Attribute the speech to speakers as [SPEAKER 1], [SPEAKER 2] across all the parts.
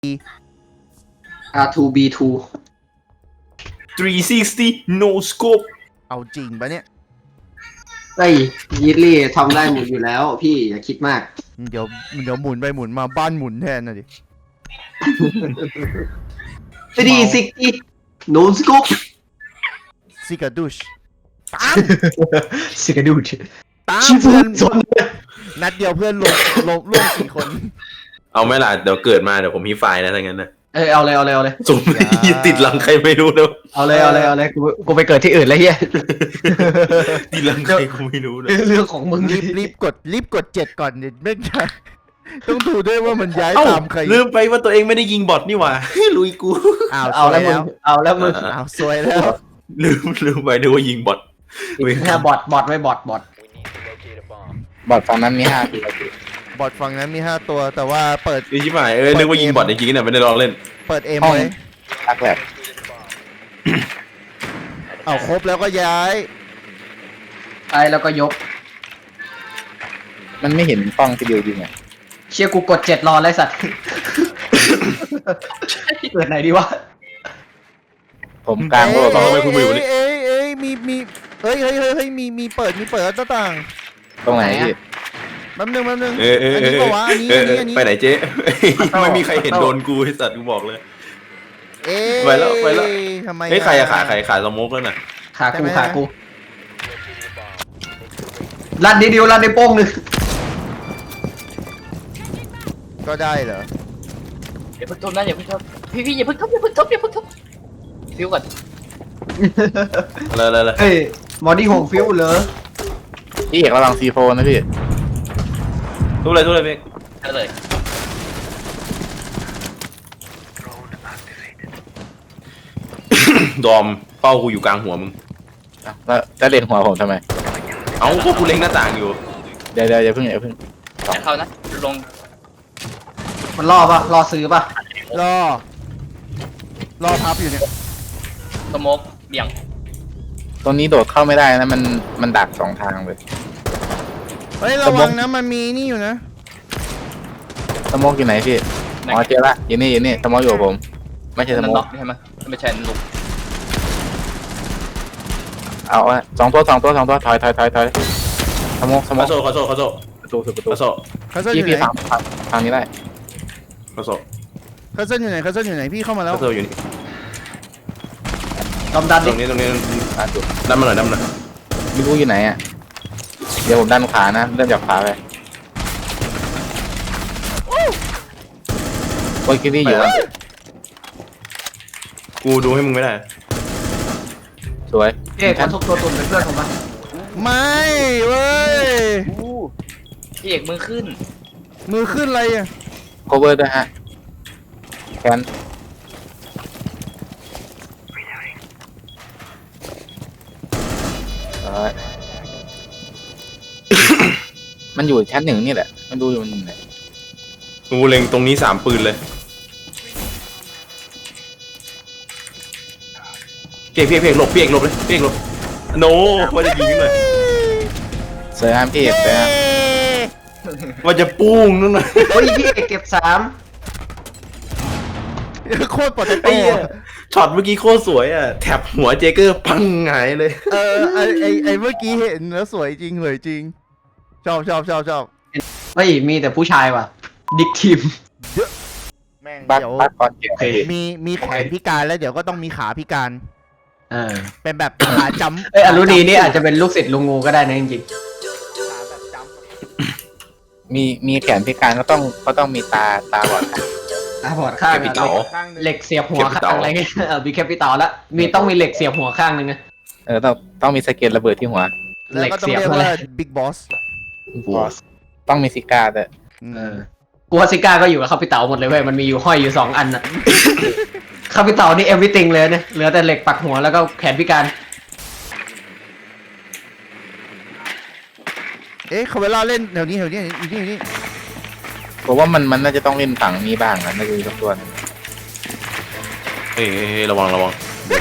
[SPEAKER 1] R2B2
[SPEAKER 2] 360 no scope
[SPEAKER 3] เอาจริงปะเนี่ย
[SPEAKER 1] เฮ้ยยิดลี่ทำได้หมดอยู่แล้วพี่อย่าคิดมาก
[SPEAKER 3] เดี๋ยวหมุนไปหมุนมาบ้านหมุนแทนนะดิ
[SPEAKER 1] 360 no scope
[SPEAKER 3] ซิกาดุชตาม
[SPEAKER 1] สิกระดูด
[SPEAKER 3] ตาม
[SPEAKER 1] ชิฟุ
[SPEAKER 3] เพื่อน
[SPEAKER 1] ซน
[SPEAKER 3] นัดเดียวเพื่อนลง4 คน
[SPEAKER 2] เอาไหมล่ะเดี๋ยวเกิดมาเดี๋ยวผมมีไฟล์นะถ้างั้นนะ
[SPEAKER 1] เอาเลย
[SPEAKER 2] สุ่มติดหลังใครไม่รู้นะ
[SPEAKER 1] เอาเลยกูไปเกิดที่อื่นแล้วเฮีย
[SPEAKER 2] ติดหลังใครกูไม่รู้นะ
[SPEAKER 1] เรื่องของมึง
[SPEAKER 3] รีบกด7ก่อนเดี๋ยวไม่ใช่ต้องดูด้วยว่ามันย้าย
[SPEAKER 2] เอ้า
[SPEAKER 3] ตามใคร
[SPEAKER 2] ลืมไปว่าตัวเองไม่ได้ยิงบอทนี่หว่า ลุยกู
[SPEAKER 1] เอาแล้วมึงเอาแล้วมึง
[SPEAKER 3] อ้าวซวยแล้ว
[SPEAKER 2] ลืมไปดูว่ายิงบอท
[SPEAKER 1] แค่บอทไว้บอท
[SPEAKER 4] บอดฝั่งนั้นมี5 ตัว
[SPEAKER 3] บอทฝั่งนั้นมี5 ตัวแต่ว่าเปิด
[SPEAKER 2] ไอ้ชิบหายนึกว่ายิงบอทจริงๆเนี่ยไม่ได้ลองเล่น
[SPEAKER 3] เปิดเอม
[SPEAKER 4] ห้อง
[SPEAKER 3] ไว้
[SPEAKER 4] ทักแลบ
[SPEAKER 3] เอาครบแล้วก็ย้าย
[SPEAKER 1] ไปแล้วก็ยก
[SPEAKER 4] มันไม่เห็นป้องที่เดียวจริงอ่ะ
[SPEAKER 1] เชี่ยกูกด7รอเลยสัตว์เกิดไหนดีวะ
[SPEAKER 4] ผมกลางโลก
[SPEAKER 2] ทำไมคุณไม่อยู่นี่
[SPEAKER 3] มีเฮ้ยมีเปิดหน้าต่าง
[SPEAKER 4] ตรงไหนพี่
[SPEAKER 3] แป๊บนึง
[SPEAKER 2] อั
[SPEAKER 3] อันนี้ปะวะอันนี้
[SPEAKER 2] ไปไหนเจ๊ ไม่มีใครเห็นโดนกูไอ้สัตว์กูบอกเลย ไปแล้ว
[SPEAKER 3] ทำไม
[SPEAKER 2] เฮ้ยใครอะขายสโมกแล้วน่ะ
[SPEAKER 1] ขากูรันนิดเดียวรันในโป้งหนึ่ง
[SPEAKER 3] ก็ได้เหรอ
[SPEAKER 5] อย่าเพิ่งทุบนะอย่าเพิ่งทุบพี่อย่าเพิ่งทุบฟิวก่อน
[SPEAKER 2] เลย
[SPEAKER 1] เฮ้ยมอดี้หงฟิวเหรอ
[SPEAKER 4] พี่เอกระวังซีโฟนะพี่
[SPEAKER 2] ทุบเลยพี่
[SPEAKER 5] ก็เลย
[SPEAKER 2] ดอมเป้ากูอยู่กลางหัวมึง
[SPEAKER 4] แล้วจะเล่นหัวผมทำไม
[SPEAKER 2] เอ้าก็กูเล็งหน้าต่างอยู่
[SPEAKER 4] เดี๋ยวอย่าเพิ่ง
[SPEAKER 5] อย่าเข้านะลง
[SPEAKER 1] มันล่อปะล่อซื้อปะ
[SPEAKER 3] รอพับอยู่เนี่ย
[SPEAKER 5] สโมกเบี่ยง
[SPEAKER 4] ตรงนี้โดดเข้าไม่ได้นะมันดัก2 ทางเลย
[SPEAKER 3] เฮ้ยระวังนะมันมีนี่อยู่นะ
[SPEAKER 4] สโมกอยู่ไหนพี่อ๋อเจอละอยู่นี่สโมกอยู่กับผม ไม่ใช่ส
[SPEAKER 5] นั่
[SPEAKER 4] โม
[SPEAKER 5] น
[SPEAKER 4] ก
[SPEAKER 5] ล็อกใช่ไหมไม่ใช่ลุก
[SPEAKER 4] เอาอะ2 ตัวถอยสโมก
[SPEAKER 2] คาโซ
[SPEAKER 4] ประตู
[SPEAKER 2] คาโซ
[SPEAKER 3] คัสเซิลอยู่
[SPEAKER 4] พี่
[SPEAKER 3] ไหน
[SPEAKER 4] ทางนี้ได้
[SPEAKER 2] คาโซ
[SPEAKER 3] คัสเซิลอยู่ไหนพี่เข้ามาแล้ว
[SPEAKER 2] คาโซอยู่นี่
[SPEAKER 1] ลำดัน
[SPEAKER 2] ต
[SPEAKER 1] ดิ
[SPEAKER 2] รงนี้
[SPEAKER 4] อ่ะจุด
[SPEAKER 2] ดันมาหน่อย
[SPEAKER 4] ไม่รู้อยู่ไหนอ่ะเดี๋ยวผมดันขานะเริ่มจากขาไปโอ้ยคิดที่อยู่อะ
[SPEAKER 2] กูดูให้มึงไม่ได้
[SPEAKER 4] สวย
[SPEAKER 1] เอ๊ะขอทุบตัวตุ่นเป็นเพื่อนผมปะ
[SPEAKER 3] ไม่เว้ย
[SPEAKER 5] พี่เอกมือขึ้น
[SPEAKER 3] มือขึ้นอะไรอ่ะ
[SPEAKER 4] โคเวอร์ด้วยฮะแคนมันอยู่ชั้น 1นี่แหละ มันดูอยู่ไหน
[SPEAKER 2] กูเล็งตรงนี้3 ปืนเลยเพียกหลบเลยโนว่าจะยิงเลย
[SPEAKER 4] เซอร์ฮามพี่เซอร์ฮาม
[SPEAKER 2] ว่าจะปุ้งนั่นน่ะ
[SPEAKER 1] โอ้ยพี่เก็บ3
[SPEAKER 3] โคตรปลอด
[SPEAKER 2] ไอ้
[SPEAKER 3] ภัย
[SPEAKER 2] เหี้ยช็อตเมื่อกี้โคตรสวยอ่ะแถบหัวเจเกอร์ปังหงายเลย
[SPEAKER 3] ไอเมื่อกี้เห็นแล้วสวยจริงเลยจริงชอบ
[SPEAKER 1] เฮ้ยมีแต่ผู้ชายว่ะดิกทีม
[SPEAKER 3] แม่ง
[SPEAKER 4] บัต
[SPEAKER 3] เดี๋ยว
[SPEAKER 4] บัตก่อนเก็บ
[SPEAKER 3] มีแขนพิการแล้วเดี๋ยวก็ต้องมีขาพิการ เป็นแบบขาจำ
[SPEAKER 1] เอ้ยอรุณีนี่อาจจะเป็นลูกศิษย์ลุงงูก็ได้นะจริง
[SPEAKER 3] ขาแบบจำ
[SPEAKER 4] มีแขนพิการก็ต้องมีตาบอด
[SPEAKER 1] ๆบอดข้าง
[SPEAKER 2] แคปิตอล
[SPEAKER 3] ข้างหนึ่ง
[SPEAKER 1] เหล็กเสียบหัวข้างอะไรเงี้ยมีแคปิตอลแล้วต้องมีเหล็กเสียบหัวข้างนึงนะ
[SPEAKER 4] ต้องมีสะเก็ตระเบิดที่หัว
[SPEAKER 3] แล้วก็ต้องเรียกว่าบิ๊กบอส
[SPEAKER 4] ต้องมีซิก้าด้วย
[SPEAKER 1] กูว่าซิก้าก็อยู่กับคาปิตอลหมดเลยเว้ยมันมีอยู่ห้อยอยู่2 อันอะคาปิตอลนี่ everything เลยเนี่ยเหลือแต่เหล็กปักหัวแล้วก็แขนพิการ
[SPEAKER 3] เอ๊ะเขาเวลาเล่นแถวนี้อยู่นี่
[SPEAKER 4] ผมว่ามันน่าจะต้องเล่นฝั่งนี้บ้างนะน่าจะมีสักตัวนึง
[SPEAKER 2] เฮ้ยระวังเดินระวัง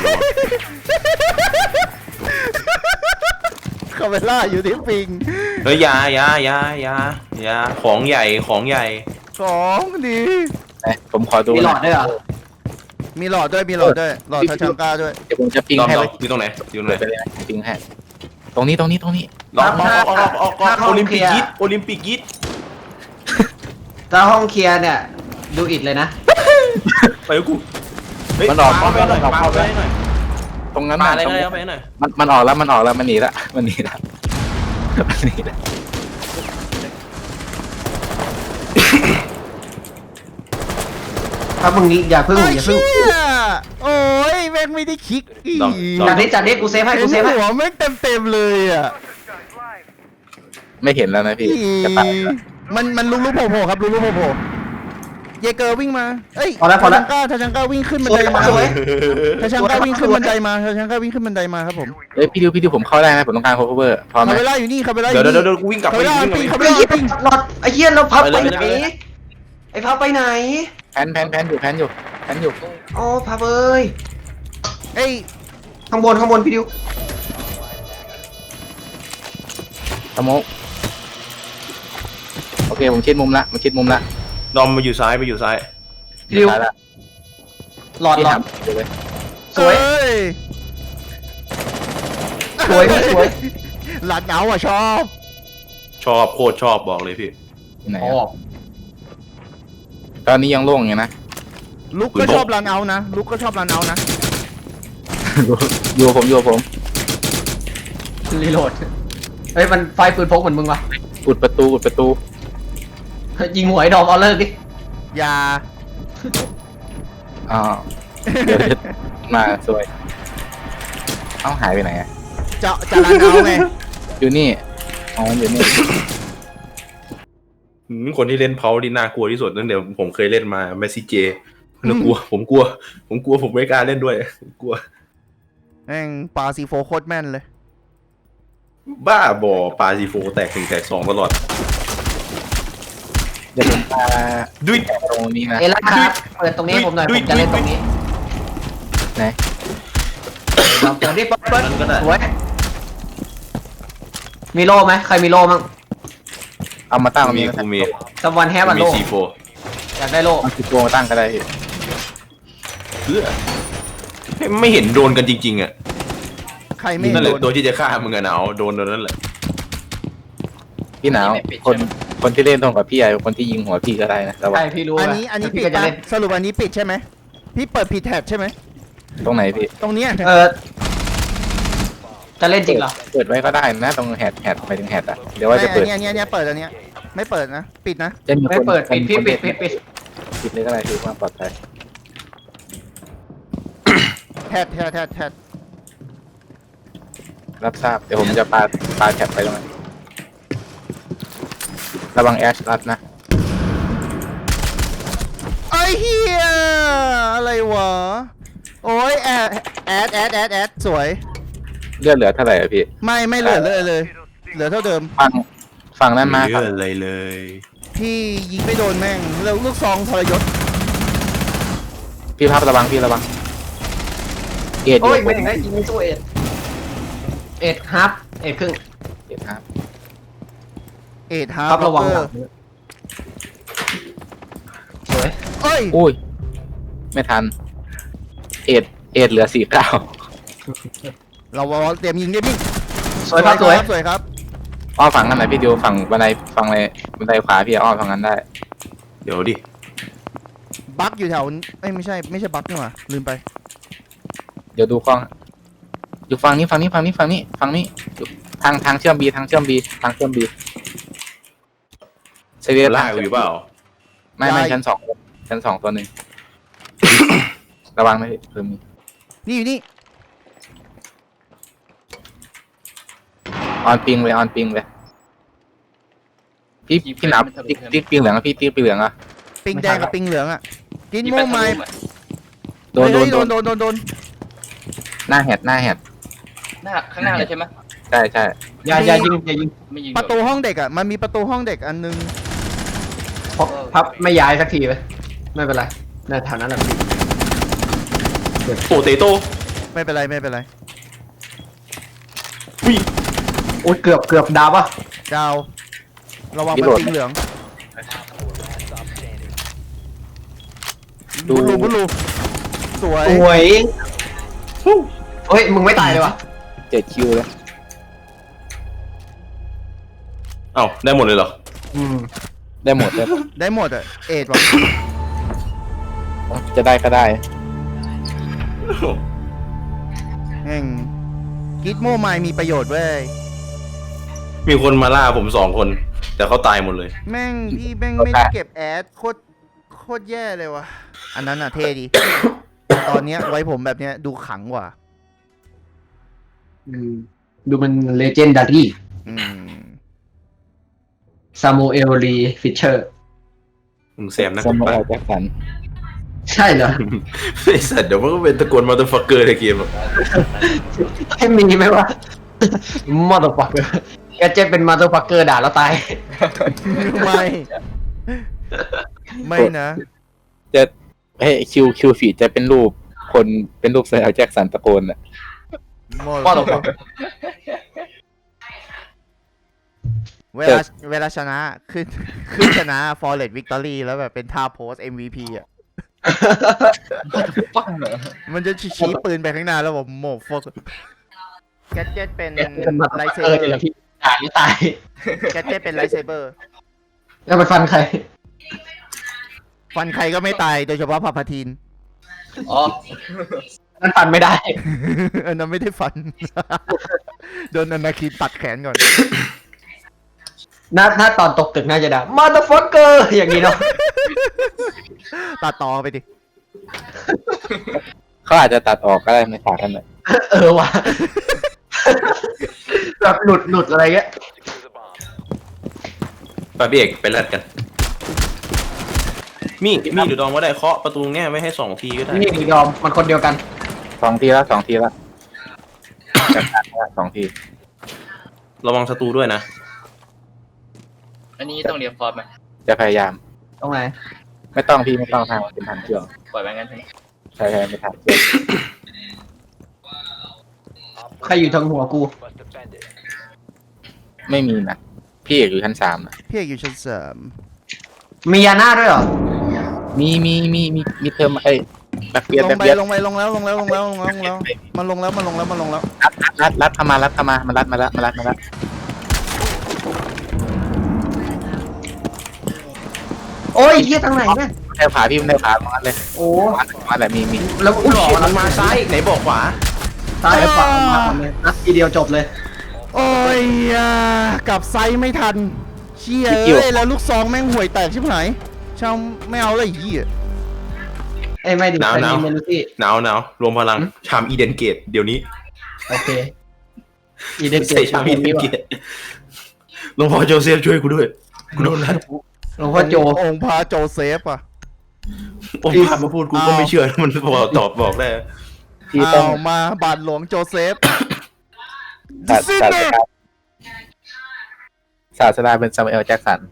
[SPEAKER 3] เขาเวลาอยู่ที่ปิง
[SPEAKER 2] เฮ้ยยาของใหญ่
[SPEAKER 3] ของดี
[SPEAKER 4] ผมขอดู
[SPEAKER 1] มีหลอดด้วยเหรอ
[SPEAKER 3] มีหลอดด้วยมีหลอดด้วยหลอดทาชังก้าด้วย
[SPEAKER 4] เดี๋ยวผมจะปิง
[SPEAKER 2] ดอม
[SPEAKER 4] ให้
[SPEAKER 2] ดอ
[SPEAKER 4] ไว้
[SPEAKER 2] มอยู่ตรงไหนอยู่ตรงไหน
[SPEAKER 4] ไปเลยนะปิงให้ตรงนี้ตรงนี้ตรงนี้
[SPEAKER 2] ลองออกโอลิมปิกยิดโอลิมปิกยิด
[SPEAKER 1] ถ้าห้องเคลียร์เนี่ยดูอิดเลยนะ
[SPEAKER 2] ไปกับกู
[SPEAKER 4] มันออก
[SPEAKER 2] ไปหน่อย
[SPEAKER 4] มันออก
[SPEAKER 2] มาไปหน่อย
[SPEAKER 4] ตรงนั้น
[SPEAKER 2] มา
[SPEAKER 4] น่ะ
[SPEAKER 2] อะไร
[SPEAKER 4] ตรง
[SPEAKER 2] ก็ได้
[SPEAKER 4] นี้
[SPEAKER 2] เอาไปหน่อย
[SPEAKER 4] มันออกแล้วมันออกแล้วมันหนีละมันหนีละมันหนีละ
[SPEAKER 1] ถ้ามึงนี้อย่าเพิ่ง
[SPEAKER 3] ไอ้
[SPEAKER 1] อย่าเพิ่ง
[SPEAKER 3] เหี้ยโอ้ยแม่งไม่ได้คลิกอี
[SPEAKER 1] จัดนี้กูเซฟให้
[SPEAKER 3] เห็
[SPEAKER 1] กู
[SPEAKER 3] น
[SPEAKER 1] เซฟให้
[SPEAKER 3] หัวแม่งเต็มเลยอ่ะ
[SPEAKER 4] ไม่เห็นแล้วนะพี่จะตายแล้ว
[SPEAKER 3] มันลุกโผล่ครับลุกโผล่เยเกอร์วิ่งมาเอ้ย
[SPEAKER 1] พอแล้ว
[SPEAKER 3] ทาชังก้าวิ่งขึ้นบัน
[SPEAKER 1] สวย
[SPEAKER 3] ไดมา
[SPEAKER 1] สวย
[SPEAKER 3] ทาชังก้าวิ่งขึ้นบันไดมาทาชังก้าวิ่งขึ้นบันไดมาครับผม
[SPEAKER 4] เอ้ยพี่ดิวผมเข้าได้นะผมต้องการ cover พร้อมไหม
[SPEAKER 3] คาเวล่าอยู่นี่คาเวล่าอ
[SPEAKER 2] เดี๋ยว
[SPEAKER 3] ยู่นี่
[SPEAKER 2] เดี๋ยวกูวิ่งกลับ
[SPEAKER 3] คา
[SPEAKER 2] ไป
[SPEAKER 3] เวล่า
[SPEAKER 2] วิ่งกลับ
[SPEAKER 3] ปิง
[SPEAKER 2] ไป
[SPEAKER 3] คาเว
[SPEAKER 1] ไอ้
[SPEAKER 3] ล่า
[SPEAKER 1] เหี้ย
[SPEAKER 3] ปิง
[SPEAKER 1] หลอดไอ้เหี้ยเราพับไป
[SPEAKER 2] ไปเลย
[SPEAKER 1] ไหน
[SPEAKER 2] ไปเลย
[SPEAKER 1] ไอ้พับไปไหน
[SPEAKER 4] แพนอยู่แพนอยู่
[SPEAKER 1] โอ้พับเอ้ย
[SPEAKER 3] เอ้ย
[SPEAKER 1] ข้างบนพี่ดิว
[SPEAKER 4] สโมกโอเคผมชิดมุมละมันชิดมุมละ
[SPEAKER 2] ดอมมาอยู่ซ้ายไปอยู่ซ้าย
[SPEAKER 1] พี่ดิว
[SPEAKER 4] ซ้ายละ
[SPEAKER 1] หลอด
[SPEAKER 4] พี่
[SPEAKER 1] หลอ
[SPEAKER 4] ถา
[SPEAKER 1] ด
[SPEAKER 4] มดูเลย
[SPEAKER 1] สวย
[SPEAKER 3] เอ้ย
[SPEAKER 1] สวยพี่สวย
[SPEAKER 3] หลาดเหงาอ่ะชอบ
[SPEAKER 2] ชอบโคตรชอบบอกเลยพี่
[SPEAKER 4] ที่ไหน
[SPEAKER 1] อ๋อ
[SPEAKER 4] อะตอนนี้ยังโล่งอยู่นะ
[SPEAKER 3] ลุกก็ชอบรันเอานะลุกก็ชอบรันเอานะ
[SPEAKER 4] อยู่กับผม
[SPEAKER 1] รีโหลดเฮ้ยมันไฟปืนพกเหมือนมึงวะ
[SPEAKER 4] อุดประตู
[SPEAKER 1] ยิงหัวไอ้ดอมเอาเลิกดิ
[SPEAKER 3] อย่า
[SPEAKER 4] อ๋อเดี๋ยวมาสวยเอ้าหายไปไหนอะ
[SPEAKER 3] จะรันเอาไง
[SPEAKER 4] อยู่นี่อ๋ออยู่นี่
[SPEAKER 2] คนที่เล่นเพาที่น่ากลัวที่สุดตั้งแต่ผมเคยเล่นมาแมสซี่เจน่ากลัวผมกลัวผมไม่กล้าเล่นด้วยกลัว
[SPEAKER 3] แม่งปาซีโฟโคตรแม่นเลย
[SPEAKER 2] บ้าบอปาซีโฟแตก1แตก2ตลอด
[SPEAKER 4] เดี๋ยวผมมา
[SPEAKER 2] ด้วย
[SPEAKER 4] ตรงนี้นะ
[SPEAKER 1] เอล่าครับเปิดตรงนี้ให้ผมหน่อยผมจะเล่นตรงนี้
[SPEAKER 4] ไหน
[SPEAKER 1] ลองเปิดดิเปิด
[SPEAKER 2] นั้นก็ได้
[SPEAKER 1] สวยมีโล่ไหมใครมีโล่มั่ง
[SPEAKER 4] เอามาตั้งตรง
[SPEAKER 2] มี
[SPEAKER 4] นี้
[SPEAKER 2] กูมี
[SPEAKER 1] สวันแฮปอัน
[SPEAKER 2] มี
[SPEAKER 1] โล่
[SPEAKER 2] C4
[SPEAKER 1] อยากได้โล่
[SPEAKER 4] เอาสิบตัวมาตั้งก็ได้พี่
[SPEAKER 2] เพื่อไม่เห็นโดนกันจริงๆอ่ะ
[SPEAKER 3] ใครไม่
[SPEAKER 2] นั่นแห
[SPEAKER 3] โด
[SPEAKER 2] ละ
[SPEAKER 3] น
[SPEAKER 2] ตัวที่จะฆ่ามึงอะนะเอาโดนนั่นแหละ
[SPEAKER 4] พี่หนาวคนที่เล่นตรงกับพี่ไอ้คนที่ยิงหัวพี่ก็ได้นะระวั
[SPEAKER 1] ใช่
[SPEAKER 4] ง
[SPEAKER 1] พี่รู้
[SPEAKER 3] อัน
[SPEAKER 1] นะ
[SPEAKER 3] นี้
[SPEAKER 1] แต่
[SPEAKER 3] ปิ
[SPEAKER 1] พี่
[SPEAKER 3] ด
[SPEAKER 1] ก็จะ
[SPEAKER 3] ปะ
[SPEAKER 1] เล่น
[SPEAKER 3] สรุปอันนี้ปิดใช่ไหมพี่เปิดผิดแท็บใช่ไหม
[SPEAKER 4] ตรงไหนพี่
[SPEAKER 3] ตรงเนี้ย
[SPEAKER 1] จะเล่นจริงเหรอ
[SPEAKER 4] เปิดไว้ก็ได้นะตรงแฮดไปถึงแฮดอะเดี๋ยวว่าจะเปิด
[SPEAKER 3] อันเนี้ยเปิดอันเนี้ยไม่เปิดนะปิดนะ
[SPEAKER 4] จะมี
[SPEAKER 1] ไม่
[SPEAKER 4] คน
[SPEAKER 1] เปิดปิดพี่
[SPEAKER 4] คน
[SPEAKER 1] ปิด
[SPEAKER 4] เล่น
[SPEAKER 1] ปิด
[SPEAKER 4] ปิดเลยก็ได้คือความปลอดภัย
[SPEAKER 3] แท็บ
[SPEAKER 4] รับทราบเดี๋ยวผมจะปาแท็บไปตรงนั้นระวังแอชรัดนะ
[SPEAKER 3] ไอ้เหี้ยอะไรวะโอ้ยแอดสวย
[SPEAKER 4] เลือดเหลือเท่าไหร่อะพี่
[SPEAKER 3] ไม่เหลือเลยเหลือเท่าเดิม
[SPEAKER 4] ฝั่งนั้นมา
[SPEAKER 2] เย
[SPEAKER 4] ฝั่ง
[SPEAKER 2] อะเลยเลย
[SPEAKER 3] พี่ยิงไม่โดนแม่งแล้วลูกซองทรยศ
[SPEAKER 4] พี่ภาพระวังเอ็ดอ
[SPEAKER 1] โอ้
[SPEAKER 4] ยู่
[SPEAKER 1] ยไม่ถึงได้ยิงสู้เอ็ดฮับเอ็ดครึ่ง
[SPEAKER 4] เอ็ดครับ
[SPEAKER 3] เอ็ดฮา
[SPEAKER 1] ครับระวัง
[SPEAKER 3] เอ
[SPEAKER 1] หลั
[SPEAKER 3] อง
[SPEAKER 1] สวย
[SPEAKER 3] เอ้ย
[SPEAKER 4] อุ้ยไม่ทันเอ็ดเหลือ49
[SPEAKER 3] เราเตรียมยิงได้พี่
[SPEAKER 1] สวยครับสวย
[SPEAKER 3] สวยครับ
[SPEAKER 4] อ้อมฝั่งนั้นไหนพี่ดิวฝั่งบันไดฝั่งเลยบันไดขวาพี่อ้อมฝั่งนั้นได้
[SPEAKER 2] เดี๋ยวดิ
[SPEAKER 3] บั๊กอยู่แถวไม่ใช่บั๊กนี่หว่าลืมไป
[SPEAKER 4] เดี๋ยวดูกล้องอยู่ฝั่งนี้อยู่ทางเชื่อมบีเซเวีย
[SPEAKER 2] ล่ากูอยู่เปล่า
[SPEAKER 4] ไม่ชั้นสองตัวหนึ่ง ระวังนะพี่เพิ่มมี
[SPEAKER 3] นี่อยู่นี่
[SPEAKER 4] ออนปิงเลยพี่หนาวติ๊กปิงเหลืองอะพี่ติ๊กปิงเหลืองอะ
[SPEAKER 3] ปิงแดงกับปิงเหลืองอ่ะกินโม่ไม้
[SPEAKER 4] โดน
[SPEAKER 3] โดน
[SPEAKER 4] หน้าแฮด
[SPEAKER 5] หน้าข้างหน้าเลยใช่ไหม
[SPEAKER 4] ใช่
[SPEAKER 1] อย่ายิงอย่ายิง
[SPEAKER 5] ไม่ยิง
[SPEAKER 3] ประตูห้องเด็กอ่ะมันมีประตูห้องเด็กอันนึง
[SPEAKER 1] พับไม่ย้ายสักทีไปไม่เป็นไรในแถวนั้นแหละพี่
[SPEAKER 2] โปเตโต้
[SPEAKER 3] ไม่เป็นไร
[SPEAKER 2] อุ้ย
[SPEAKER 1] โอ้ยเกือบดาวป่ะ
[SPEAKER 3] ดาวระวัง
[SPEAKER 4] พี่
[SPEAKER 3] เป็น
[SPEAKER 4] โหลด
[SPEAKER 3] ปิงเหลือง
[SPEAKER 4] ดู
[SPEAKER 3] บุญรูสวย
[SPEAKER 1] โอ้ยเฮ้ยมึงไม่ตายเลยวะ
[SPEAKER 4] 7 คิวเลย
[SPEAKER 2] เอ้าได้หมดเลยเหรอ
[SPEAKER 4] ได้หมดเลย
[SPEAKER 3] ได้หมดอะเอ็ดว่ะ
[SPEAKER 4] จะได้ก็ได้
[SPEAKER 3] แม่งกิทโมไมมีประโยชน์เว้ย
[SPEAKER 2] มีคนมาล่าผม2 คน แต่เขาตายหมดเลย
[SPEAKER 3] แม่งพี่แม่งไม่ได้เก็บแอดโคตรแย่เลยวะอันนั้นอะเท่ดี ตอนเนี้ยไว้ผมแบบเนี้ยดูขังกว่า
[SPEAKER 1] ดูมันเลเจนดารี่
[SPEAKER 3] อืม
[SPEAKER 1] ซามูเอลลีฟิชเชอร์
[SPEAKER 2] มึงแซมนะ
[SPEAKER 4] สมมติเราแจ็คสัน
[SPEAKER 1] ใช่เหรอ
[SPEAKER 2] ไอ้สัตว์เดี๋ยวมันก็เป็นตะโกนมาตัวฟักเกอร์ในเกมหรอก
[SPEAKER 1] ให้มีไหมวะมอเตอร์ฟักเกอร์แกเจ็บเป็นมอเตอร์ฟักเกอร์ด่าแล้วตาย
[SPEAKER 3] ไม่ไม่นะ
[SPEAKER 4] จะเฮ้ยคิวฟีดจะเป็นรูปคนเป็นรูปเซอร์แจ็คสันตะโกนอ่ะ
[SPEAKER 3] ม
[SPEAKER 1] มอเตอร์ฟัก
[SPEAKER 3] เวลาชนะขึ้นชนะ Flawless Victory แล้วแบบเป็นท่าโพส MVP อ่ะ
[SPEAKER 5] ฟังเหรอ
[SPEAKER 3] มันจะชี้ปืนไปข้างหน้าแล้วบอกโมฟกแกเจ็ตเป็น
[SPEAKER 1] เป็นมอเตอร์
[SPEAKER 3] ไล
[SPEAKER 1] ฟัก
[SPEAKER 3] ท์เซ
[SPEAKER 1] เกอ
[SPEAKER 3] เบ
[SPEAKER 1] ร์
[SPEAKER 3] อ
[SPEAKER 1] นี่แหละ
[SPEAKER 3] ร์
[SPEAKER 1] พี่ด่าแล้วตาย
[SPEAKER 3] แกเจ็ตเป็นไลท์เซเบอร์
[SPEAKER 1] แล้วไปฟันใคร
[SPEAKER 3] ฟันใครก็ไม่ตายโดยเฉพาะพาพาทีน
[SPEAKER 5] อ๋อ
[SPEAKER 1] นั่นฟันไม่ได้
[SPEAKER 3] อันนั้นไม่ได้ฟัน โดนอนาคินตัดแขนก่อน
[SPEAKER 1] ถ้าตอนตกตึกน่าจะด่ามอเตอร์ฟักเกอร์อย่างนี้เนาะ
[SPEAKER 3] ตัดต่อไปดิ
[SPEAKER 4] เขาอาจจะตัดออกก็ได้ในฉากนั้นแหละ
[SPEAKER 1] ว่ะแบบหลุดอะไรเงี้ย
[SPEAKER 2] ไปพี่เอกไปแลดกัน มีหรือดองว่าได้เคาะประตูแง่ไว้ให้2 ทีก็ได้
[SPEAKER 1] นี่ยอมมันคนเดียวกัน
[SPEAKER 4] 2 ทีแล้ว2 ทีแล้วจัดการแล้ว2 ที
[SPEAKER 2] ระวังศัตรูด้วยนะ
[SPEAKER 5] อันนี้ต้องเรียนฟอร์มไหม
[SPEAKER 4] จะพยายาม
[SPEAKER 1] ตรงไหน
[SPEAKER 4] ไม่ต้องพี่ไม่ต้องทางเป็นทางเชื่อม
[SPEAKER 5] ปล่อยไปงั้นใช่ไหม
[SPEAKER 4] ใช่ไม่ทางเชื่อม
[SPEAKER 1] ใครอยู่ทางหัวกู
[SPEAKER 4] ไม่มีนะพี่เอกอยู่ชั้น3นะ
[SPEAKER 3] พี่เอกอยู่ชั้นสาม
[SPEAKER 1] มียาน่าด้วยเหรอ
[SPEAKER 4] มีเทอมแบ็คเบียด
[SPEAKER 3] ล
[SPEAKER 4] แบ็
[SPEAKER 3] ง
[SPEAKER 4] ค
[SPEAKER 3] ไป
[SPEAKER 4] เบียด
[SPEAKER 3] ลงแล้วมันลงแล้ว
[SPEAKER 4] รัดเข้ามามันรัดมาแล้ว
[SPEAKER 1] โอ้ยเฮียทางไหนเนี่ย
[SPEAKER 4] แถวขาพี่มันแถวขาตรงนั้นเลย
[SPEAKER 1] โอ้
[SPEAKER 4] ตรงนั้นแหละมี
[SPEAKER 1] แล้วกูหลอก
[SPEAKER 2] มันมาซ้ายไหนบอกขวา
[SPEAKER 1] ซ้ายขวามาเลยนัดทีเดียวจบเลย
[SPEAKER 3] โอ้ยกลับไซส์ไม่ทันเชี่ยเอ้ยแล้วลูกซองแม่งห่วยแตกชิบหายช่างไม่เอาเลยไอ้เหี้ย
[SPEAKER 1] เอ้ยไม่ดิ
[SPEAKER 2] หนาว
[SPEAKER 1] แต่
[SPEAKER 2] หนาว
[SPEAKER 1] มีเมนูที่
[SPEAKER 2] หนาวรวมพลังชามอีเดนเกตเดี๋ยวนี้
[SPEAKER 1] โอเคอีเดนเก
[SPEAKER 2] ใส่
[SPEAKER 1] ต
[SPEAKER 2] ชามอีเดนเกตหลวงพ่อโจเซฟช่วยกูด้วยกูโดนแล้ว
[SPEAKER 1] หลวงพ่อโจ
[SPEAKER 3] องค์พระโจเซฟอ่ะ
[SPEAKER 2] โอ้ยพามาพูดกูก็ไม่เชื่อมันบอกได้
[SPEAKER 4] พี่ต้อง
[SPEAKER 3] เอามาบาทหลวงโจเซฟ
[SPEAKER 4] ศาสดาเป็นซามูเอลแจ็คสัน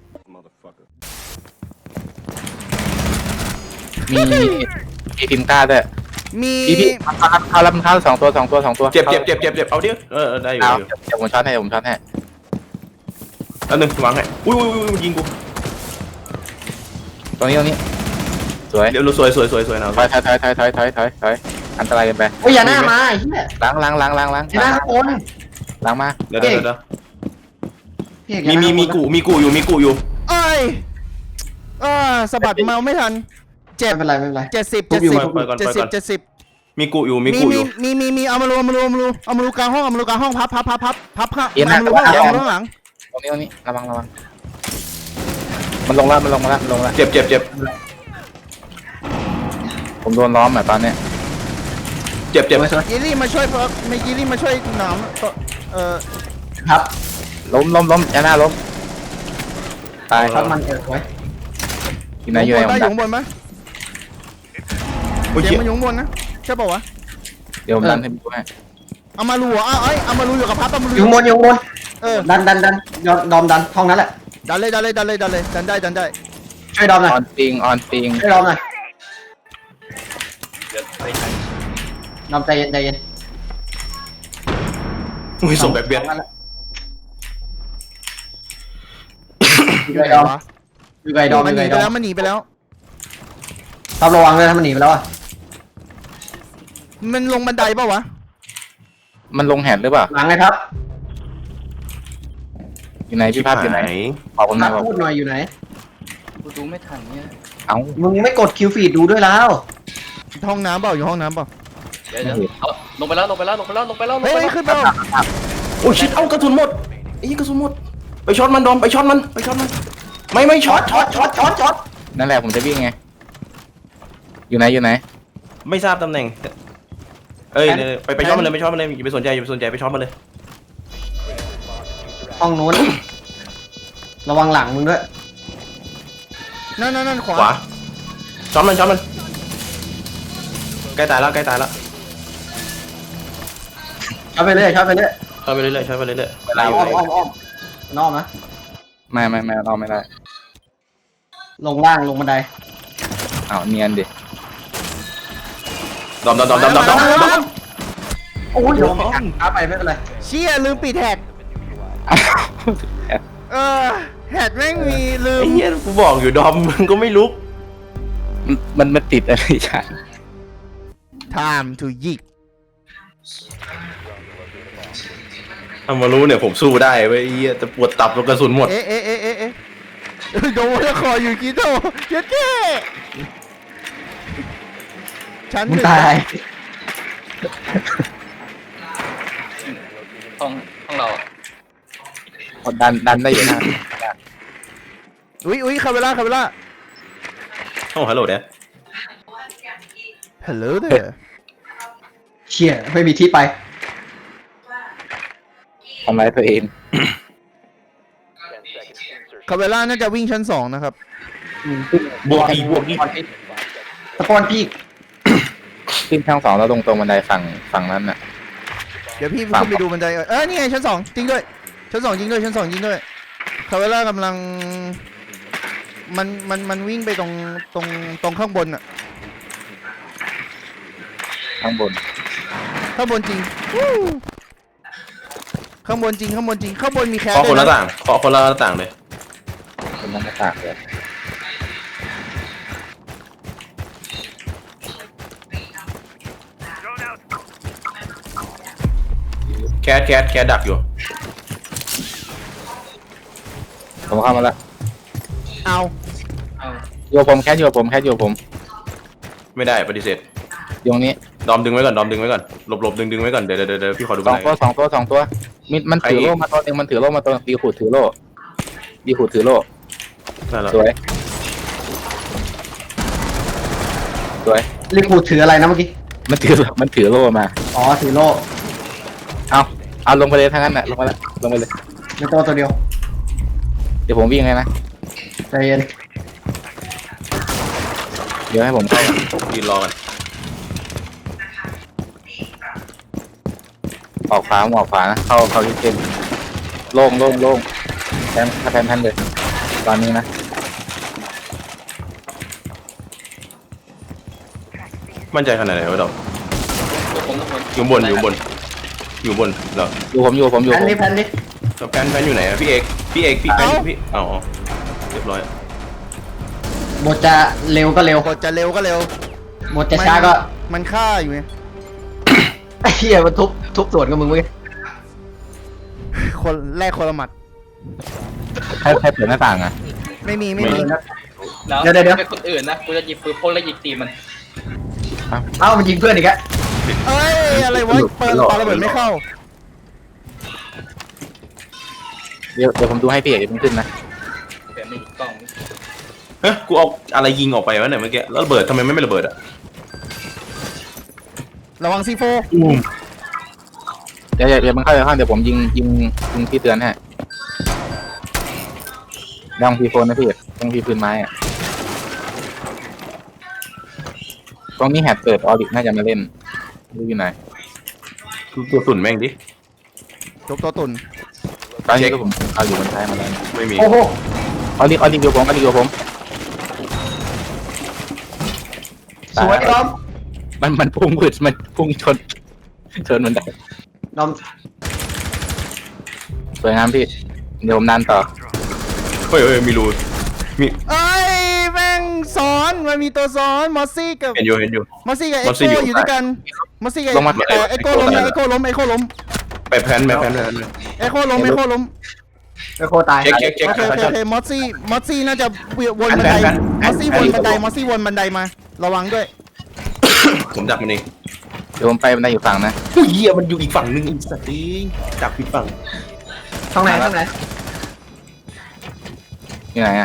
[SPEAKER 4] มีพิมพ์กล้าด้วย
[SPEAKER 3] มี
[SPEAKER 4] พี่เขารับมันเข้า2 ตัว
[SPEAKER 2] เจ็บเอาดิได้อยู่
[SPEAKER 4] เอาเดี๋ยวผมช็อตให้
[SPEAKER 2] อันนึงวางให้อุ้ยยิงกู
[SPEAKER 4] ตรงนี้สวย
[SPEAKER 2] เดี๋ยวสวยนะ
[SPEAKER 4] ถอยอันตรายเกินไป
[SPEAKER 1] โอ้ยยาน่ามาไอ้เหี้ย
[SPEAKER 4] ล้าง
[SPEAKER 1] ยาน่าข้างบน
[SPEAKER 4] ล้างมา
[SPEAKER 2] เดี๋ยว
[SPEAKER 1] พี่เอกยาน่า
[SPEAKER 2] มีกูอยู่
[SPEAKER 3] เอ้ยสะบัดเมาไม่ทันเจ็บ
[SPEAKER 1] ไม่เป็นไรไม่เป็นไร
[SPEAKER 3] 70
[SPEAKER 2] มีกูอยู่
[SPEAKER 3] มีเอามารูกลางห้องพับเอามารูข้างหลัง
[SPEAKER 4] ตรงนี้ระวังมันลงแล้ว
[SPEAKER 2] เจ็บ
[SPEAKER 4] ผมโดนล้อมตอนเนี้ย
[SPEAKER 2] เจ็บ
[SPEAKER 3] ยีรี่มาช่วยหนาม
[SPEAKER 1] ครับ
[SPEAKER 4] ล้มยาหน้าล้มตาย
[SPEAKER 1] ครับมันไว้
[SPEAKER 4] อยู่ไหนผม
[SPEAKER 3] อยู่ข้างบนไหม
[SPEAKER 2] โอ้ย
[SPEAKER 3] เสียงมันอยู่ข้างบนนะใช่ป่าวะ
[SPEAKER 4] เดี๋ยวผมดันให้ดูให้
[SPEAKER 3] เอามารูเอามารูอยู่กับพับเอามารู
[SPEAKER 1] อยู่บน
[SPEAKER 3] เออ
[SPEAKER 1] ดันดอมดันห้องนั้นแหละ
[SPEAKER 3] ดันเลยดันได้
[SPEAKER 1] ช่วยดอมหน่อย
[SPEAKER 4] ออนปิง
[SPEAKER 1] ช่วยดอมหน่อย
[SPEAKER 5] เดี๋ยวไปทัน
[SPEAKER 1] ดอมใจเย็น
[SPEAKER 2] อุ้ยส่งแบบเบียด
[SPEAKER 1] อยู่ไกลดอม
[SPEAKER 3] มันหนีไปแล้ว
[SPEAKER 1] ท็อประวังเลยถ้ามันหนีไปแล้วอ่ะ
[SPEAKER 3] มันลงบันไดเปล่าวะ
[SPEAKER 4] มันลงแหดหรือเปล่า
[SPEAKER 1] หลังไงครับ
[SPEAKER 4] อยู่ไหนพี่ภาพอยู่ไหนขอบคุณ
[SPEAKER 1] มา
[SPEAKER 4] นะ
[SPEAKER 1] พูดหน่อยอยู่ไหน
[SPEAKER 5] กูดูไม่ทันเนี่ย
[SPEAKER 4] เอ้า
[SPEAKER 1] มึงไม่กดคิวฟีดดูด้วยแล้ว
[SPEAKER 3] ห้องน้ำเปล่าอยู่ห้องน้ำเปล่า
[SPEAKER 5] เดี๋ยวเอาลงไปแล้วลงไปแล้วลงไปแล้วลงไปแล้วลง
[SPEAKER 3] เฮ้ย
[SPEAKER 5] ไปแล้ว
[SPEAKER 3] ขึ้นเปล่า
[SPEAKER 2] โอ้ยชิดเอากระสุนหมดไอ้กระสุนหมดไปช็อตมันดอมไปช็อตมันไปช็อตมันไม่ช็อต
[SPEAKER 4] นั่นแหละผมจะวิ่งไงอยู่ไหนอยู่ไหน
[SPEAKER 2] ไม่ทราบตำแหน่งเอ้ยไปช็อตมันเลยไปช็อตมันเลยอย่าไปสนใจอย่าไปสนใจไปช็อตมันเลย
[SPEAKER 1] ห้องนู้น ระวังหลังมึงด้วย
[SPEAKER 3] นั่นขวา
[SPEAKER 2] ขวาช็อตมันใกล้ตายแล้วใกล้ตายแล้ว
[SPEAKER 1] ช็อตไปเรื่อยช็อตไปเรื่อย
[SPEAKER 2] ช็อตไปเรื่อยๆช็อตไปเรื่อยๆ
[SPEAKER 1] อ้อมนอกนะ
[SPEAKER 4] ไม่เราไม่ได้
[SPEAKER 1] ลงล่างลงบันได
[SPEAKER 4] อ้าวเนียนดิ
[SPEAKER 2] ดอม
[SPEAKER 1] โอ้ยโดนช้าไปไม่เป็นไร
[SPEAKER 3] เชี่ยลืมปิดแฮดแฮดแม่งมีลืม
[SPEAKER 2] ไอ้เหี้ยกูบอกอยู่ดอมมึงก็ไม่ลุก
[SPEAKER 4] มันติดอะไรฉัน
[SPEAKER 3] time to ยิก
[SPEAKER 2] ถ้ามารู้เนี่ยผมสู้ได้เว้ยไอ้เหี้ยจะปวดตับแล้วกระสุนหมด
[SPEAKER 3] เอ๊ะโดนแล้วคออยู่กิโตเย็ดเก้ชั้น
[SPEAKER 1] มึง
[SPEAKER 3] 1
[SPEAKER 1] ตาย
[SPEAKER 5] ห้องเราอะ
[SPEAKER 4] ดันได้อยู่นะ
[SPEAKER 3] อุ้ยคาเวล่า
[SPEAKER 2] โอ้ฮัลโหลเนี่ย
[SPEAKER 3] hello there
[SPEAKER 1] เชี่ยไม่มีที่ไป
[SPEAKER 4] ทำร้ายตัวเอง
[SPEAKER 3] คาเวล่าน่าจะวิ่งชั้น 2นะครับ
[SPEAKER 2] บวกอีก
[SPEAKER 1] สปอนพี่
[SPEAKER 4] ขึ้นทางสองแล้วตรงบันไดฝั่งนั้นน่ะ
[SPEAKER 3] เดี๋ยวพี่ขึ้นไปดูบันไดนี่ไงชั้น 2จริงด้วยชั้น 2จริงด้วยคาเวล่ากำลังมันวิ่งไปตรงข้างบนอะ
[SPEAKER 4] ข้างบน
[SPEAKER 3] ข้างบนจริงวู้ข้างบนจริงข้างบนมีแคส
[SPEAKER 2] ขอคน
[SPEAKER 3] ด้
[SPEAKER 2] ละ
[SPEAKER 3] วยนะ
[SPEAKER 2] ต่างขอคนละต่างเลย
[SPEAKER 4] เป็นน้ำตากเลย
[SPEAKER 2] แคสดักอยู่
[SPEAKER 4] ผมเข้ามาแล้ว
[SPEAKER 3] เอา
[SPEAKER 5] เอา
[SPEAKER 4] โยผมแค่โยผม
[SPEAKER 2] ไม่ได้ปฏิเสธ
[SPEAKER 4] อยู่ตรงนี้
[SPEAKER 2] ดอมดึงไว้ก่อนหลบดึงไว้ก่อนเดี๋ยวพี่ขอดู
[SPEAKER 4] ส
[SPEAKER 2] บั
[SPEAKER 4] อน ง
[SPEAKER 2] ได
[SPEAKER 4] ตัวมันถือโล่มาตัวหนึงมันถือโล่มาตัวดีขูดถือโล่
[SPEAKER 2] นั่นแหละ
[SPEAKER 4] สวย
[SPEAKER 1] ลิคูดถืออะไรนะเมื่อกี้
[SPEAKER 4] มันถือโล่มา
[SPEAKER 1] อ๋อถือโล่
[SPEAKER 4] เอาลงไปเลยทั้งนั้นน่ะลงไปเลย
[SPEAKER 1] ในตัวเดียว
[SPEAKER 4] เดี๋ยวผมวิ่งเลยนะ
[SPEAKER 1] ใจเย็น
[SPEAKER 4] เดี๋ยวให้ผมเข้า
[SPEAKER 2] ยืนรอกัน
[SPEAKER 4] ออกขวานะเข้าที่เต็มโล่งแทนเลยตอนนี้นะ
[SPEAKER 2] มั่นใจขนาดไหนวะดอม
[SPEAKER 5] ทุกคน
[SPEAKER 2] อยู่บนเหรอ
[SPEAKER 4] อยู่ผม
[SPEAKER 1] แพนนี่
[SPEAKER 2] แฟนอยู่ไหนอะพี่เอกพี่แฟนอยู่พี่อ๋อเรียบร้อย
[SPEAKER 1] หมดจะเร็วก็เร็ว
[SPEAKER 3] กดจะเร็วก็เร็ว
[SPEAKER 1] หมดจะช้าก็
[SPEAKER 3] มันฆ่าอยู่ไง
[SPEAKER 1] ไอ้เหี้ยมันทุบสวนกับมึงเว้ย
[SPEAKER 3] คนแรกคนละหมัด
[SPEAKER 4] ให้เปิดหน้าต่างอ่ะ
[SPEAKER 3] ไม่มี
[SPEAKER 5] แล้วเป็นคนอื่นนะกูจะหยิบปืนพกแล้วยิงตีมัน
[SPEAKER 1] เอ้ามันยิงเพื่อนอีกแล้ว
[SPEAKER 3] เอ้ยอะไรวะเปิดปาระเบิดไม่เข้า
[SPEAKER 4] เดี๋ยวผมดูให้พี่เอกขึ้นนะ
[SPEAKER 5] แต่ไม่กล้อง
[SPEAKER 2] เฮ้ยกูเอาอะไรยิงออกไปวะเนี่ยเมื่อกี้แล้วระเบิดทำไมไม่ระเบิดอะ
[SPEAKER 3] ระวังซีโฟ
[SPEAKER 4] เดี๋ยวมันเข้าไปข้างเดี๋ยวผมยิงพี่เตือนให้ลองพีโฟนนะพี่ต้องพีพื้นไม้อะตรงนี้แฮตเปิดออริน่าจะมาเล่นดูอยู่ไหน
[SPEAKER 2] ตัวตุ่นแม่งดิ
[SPEAKER 3] จบตัวตุ่น
[SPEAKER 4] ตอนนี้ก็ผมเอาอยู่บนท้ายมาแล้ว
[SPEAKER 2] ไม่มี
[SPEAKER 1] โอ้โห
[SPEAKER 4] ออริเดียวผม
[SPEAKER 1] สวยดอม
[SPEAKER 4] มันพุ่งชนมันได้
[SPEAKER 1] ดอม
[SPEAKER 4] สวยงามพี่เดี๋ยวผมนันต่อ
[SPEAKER 2] เฮ้ยมีรูมี
[SPEAKER 3] เอ้ยแม่งซ้อนอนมันมีตัวซ้อนมอสซี่กับ
[SPEAKER 2] เห็นอยู่
[SPEAKER 3] มอสซี่กับเอ็
[SPEAKER 2] ม
[SPEAKER 3] ก
[SPEAKER 2] อสซี่
[SPEAKER 3] โค
[SPEAKER 2] อยู่
[SPEAKER 3] อยู่ด้วยกันมอสซี่กับ
[SPEAKER 4] ลงมา
[SPEAKER 3] เอ็กโคล้มเอ็กโคล้มเอ็กโคล้ม
[SPEAKER 2] ไปแพน
[SPEAKER 3] เอ็กโคล้ม
[SPEAKER 1] ไอโคตาย
[SPEAKER 2] เช็ค
[SPEAKER 3] โอเคมอสซี่น่าจะวนบันไดมอสซี่วนบันไดมอสซี่วนบันไดมาระวังด้วย
[SPEAKER 2] ผมดักมันเอง
[SPEAKER 4] เดี๋ยวผมไปบันไดอยู่ฝั่งนะ
[SPEAKER 2] ผู้เหี้ยมันอยู่อีกฝั่งนึงอีกสัตว์เองดักผิดฝั่ง
[SPEAKER 1] ข้างไหนข้างไหน
[SPEAKER 4] อยู่ไหนอะ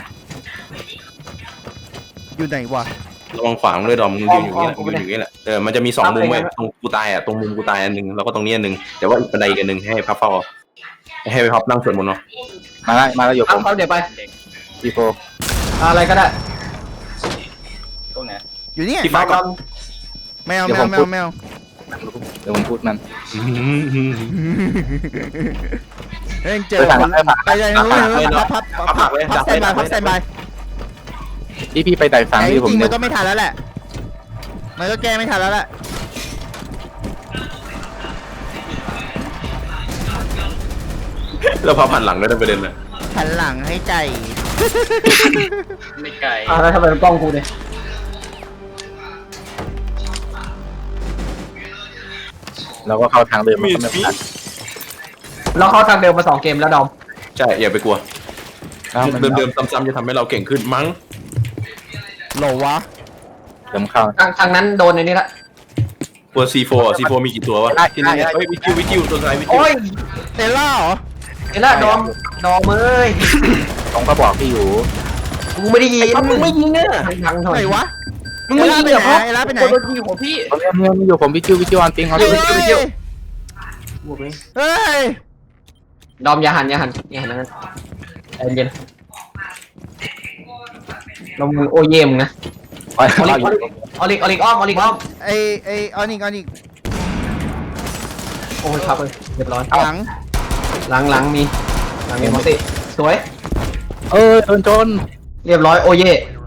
[SPEAKER 3] อยู่ไหนวะ
[SPEAKER 2] ระวังขวางด้วยดอมมึงยืนอยู่นี่แหละมึงยืนอยู่นี่แหละมันจะมี2มุมเว้ยตรงกูตายอ่ะตรงมุมกูตายอันนึงแล้วก็ตรงนี้อันนึงแต่ว่าอีกบันไดอีกอันนึงให้พับเฝ้าให้ไปพับนั่งสวดมนต์เนาะ
[SPEAKER 4] มาแล้วอยู่ผม
[SPEAKER 1] เอาเดี๋ยวไป
[SPEAKER 4] ทีโฟ
[SPEAKER 1] อะไรก็ได้
[SPEAKER 5] ตรงไหน
[SPEAKER 3] อยู่เนี่ย
[SPEAKER 2] ที่ฟ้าก่อน
[SPEAKER 3] แมว
[SPEAKER 4] เดี๋ยวผมพูด
[SPEAKER 3] แมว
[SPEAKER 4] เดี๋ยวผมพูดมัน
[SPEAKER 3] เฮ้ยเจอคนไปเลยพับแซนบาย
[SPEAKER 4] พี่ไปไต่ฝั่ง
[SPEAKER 3] แต่จ
[SPEAKER 4] ที่ผม
[SPEAKER 3] ริงๆ
[SPEAKER 4] เดิ
[SPEAKER 3] มัน นก็ไม่ทันแล้วแหละมันก็แก้ไม่ทันแล้วแหละ
[SPEAKER 2] แล้วพับหันหลังด้วยนะประเด็นเลย
[SPEAKER 3] หันหลังให้ใจ
[SPEAKER 5] ไม่ไกล
[SPEAKER 1] แล้วทำไมมันกล้องกูเนี่ย
[SPEAKER 4] เราก็เข้าทางเดิมมันก็ไม่ทัน
[SPEAKER 1] เราเข้าทางเดิมมา2 เกมแล้วดอม
[SPEAKER 2] ใช่อย่าไปกลัว
[SPEAKER 4] แล้วมัน
[SPEAKER 2] เดิมๆซ้ำๆจะทำให้เราเก่งขึ้นมั้ง
[SPEAKER 3] โหลวะ
[SPEAKER 4] เดิมเข้า
[SPEAKER 1] ทางนั้นโดนในนี้ละ
[SPEAKER 2] ตัว C4 มีกี่ตัววะที่นี่เฮ้ยวิจิวตัวอะไรวิจิว
[SPEAKER 1] โอ้ย
[SPEAKER 3] เอล่าเหรอ
[SPEAKER 1] ไอ้ละดอมเอ้ย
[SPEAKER 4] ผมก็บอกพี่อยู่
[SPEAKER 1] กูไม่ได้ยิน
[SPEAKER 2] มึงไม่ยิงเนี่ย
[SPEAKER 1] ทางหน่อย
[SPEAKER 3] ไหนวะ
[SPEAKER 1] มึงไม่ยิงเหรอ
[SPEAKER 3] เอล่าไปไหน
[SPEAKER 5] โดนยิงหัวพี่
[SPEAKER 4] ผมยังมีอยู่ผมวิจิวออนปิงเขา
[SPEAKER 3] เฮ้
[SPEAKER 4] วิจิวย
[SPEAKER 3] เฮ้ย
[SPEAKER 1] ดอมอย่าหันนั้นใจเย็นลงมือโอเยมนะ
[SPEAKER 4] ออน
[SPEAKER 1] ออลิกอ้อม
[SPEAKER 3] ไอออนิก
[SPEAKER 1] โอ้ยครับเลยเรียบร้อย
[SPEAKER 3] หลัง
[SPEAKER 1] หลังมีมอสซี่สวย
[SPEAKER 4] โดนจน
[SPEAKER 1] เรียบร้อยโอเย่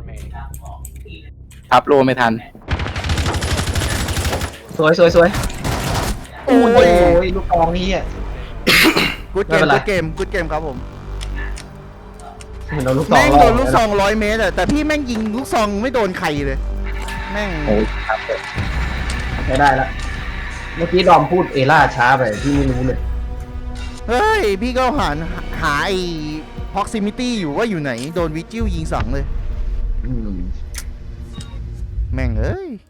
[SPEAKER 4] ทับโลไม่ทัน
[SPEAKER 1] สวยโอ้ยลูกกองนี่อ่ะ
[SPEAKER 3] กูดเก
[SPEAKER 1] ไม่เป็นไร
[SPEAKER 3] มครับผม
[SPEAKER 1] โดนลูกซอง
[SPEAKER 3] แม่งโดนลูกซอง100 เมตรอะแต่พี่แม่งยิงลูกซองไม่โดนใครเลย แม่ง
[SPEAKER 4] โอ้ยครับ
[SPEAKER 1] ใช้ได้แล้วเมื่อกี้ดอมพูดเอล่าช้าไปพี่ไม่รู้เลย
[SPEAKER 3] เฮ้ย พี่ก็หาไอ้ proximity อยู่ว่าอยู่ไหน โดนวิจิวยิง2เลย แม่งเอ้ย